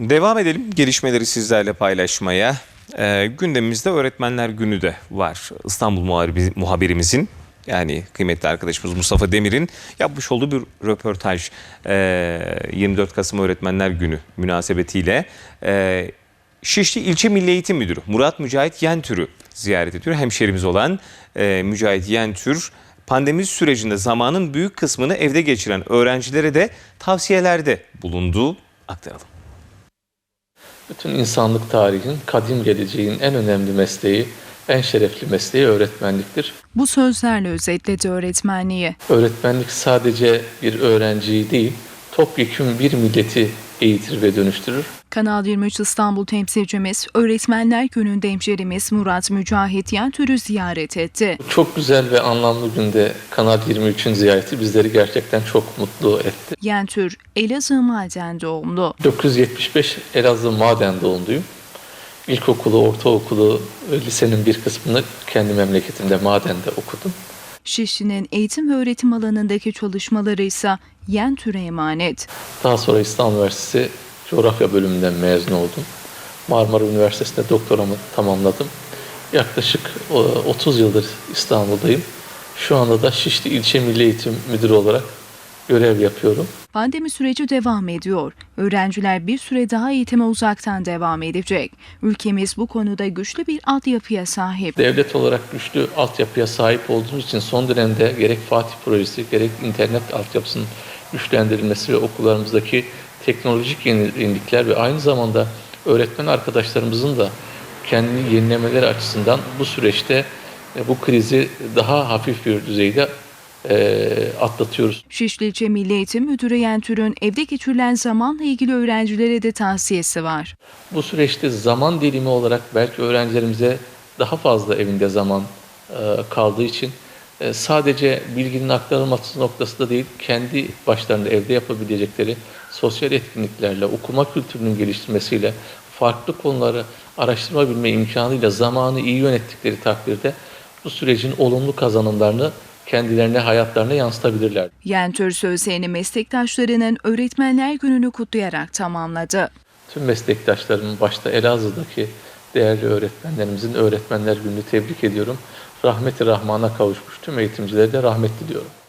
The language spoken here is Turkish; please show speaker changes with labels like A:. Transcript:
A: Devam edelim gelişmeleri sizlerle paylaşmaya. Gündemimizde Öğretmenler Günü de var. İstanbul muhabirimizin, yani kıymetli arkadaşımız Mustafa Demir'in yapmış olduğu bir röportaj. 24 Kasım Öğretmenler Günü münasebetiyle Şişli İlçe Milli Eğitim Müdürü Murat Mücahit Yentür'ü ziyaret ediyor. Hemşerimiz olan Mücahit Yentür, pandemi sürecinde zamanın büyük kısmını evde geçiren öğrencilere de tavsiyelerde bulunduğu aktaralım.
B: Bütün insanlık tarihinin, kadim geleceğin en önemli mesleği, en şerefli mesleği öğretmenliktir.
C: Bu sözlerle özetledi öğretmenliği.
B: Öğretmenlik sadece bir öğrenciyi değil, topyekün bir milleti eğitir ve dönüştürür.
C: Kanal 23 İstanbul temsilcimiz, Öğretmenler Günü'nde hemşerimiz Murat Mücahit Yentür'ü ziyaret etti.
B: Çok güzel ve anlamlı günde Kanal 23'ün ziyareti bizleri gerçekten çok mutlu etti.
C: Yentür, Elazığ Maden doğumlu.
B: 1975 Elazığ Maden doğumluyum. İlkokulu, ortaokulu, lisenin bir kısmını kendi memleketimde Maden'de okudum.
C: Şişli'nin eğitim ve öğretim alanındaki çalışmaları ise Yentür'e emanet.
B: Daha sonra İstanbul Üniversitesi Coğrafya bölümünden mezun oldum. Marmara Üniversitesi'nde doktoramı tamamladım. Yaklaşık 30 yıldır İstanbul'dayım. Şu anda da Şişli İlçe Milli Eğitim Müdürü olarak görev yapıyorum.
C: Pandemi süreci devam ediyor. Öğrenciler bir süre daha eğitime uzaktan devam edecek. Ülkemiz bu konuda güçlü bir altyapıya sahip.
B: Devlet olarak güçlü altyapıya sahip olduğumuz için son dönemde gerek Fatih projesi, gerek internet altyapısının güçlendirilmesi ve okullarımızdaki teknolojik yenilikler ve aynı zamanda öğretmen arkadaşlarımızın da kendini yenilemeleri açısından bu süreçte bu krizi daha hafif bir düzeyde atlatıyoruz.
C: Şişli İlçe Milli Eğitim Müdürü Yentür'ün evde geçirilen zamanla ilgili öğrencilere de tavsiyesi var.
B: Bu süreçte zaman dilimi olarak belki öğrencilerimize daha fazla evinde zaman kaldığı için sadece bilginin aktarılması noktasında değil, kendi başlarında evde yapabilecekleri sosyal etkinliklerle, okuma kültürünün geliştirmesiyle, farklı konuları araştırma bilme imkanıyla zamanı iyi yönettikleri takdirde bu sürecin olumlu kazanımlarını kendilerine, hayatlarına yansıtabilirler.
C: Yentür sözlerini meslektaşlarının Öğretmenler Günü'nü kutlayarak tamamladı.
B: Tüm meslektaşlarımın başta Elazığ'daki değerli öğretmenlerimizin Öğretmenler Günü'nü tebrik ediyorum. Rahmeti Rahman'a kavuşmuş tüm eğitimcilere de rahmet diliyorum.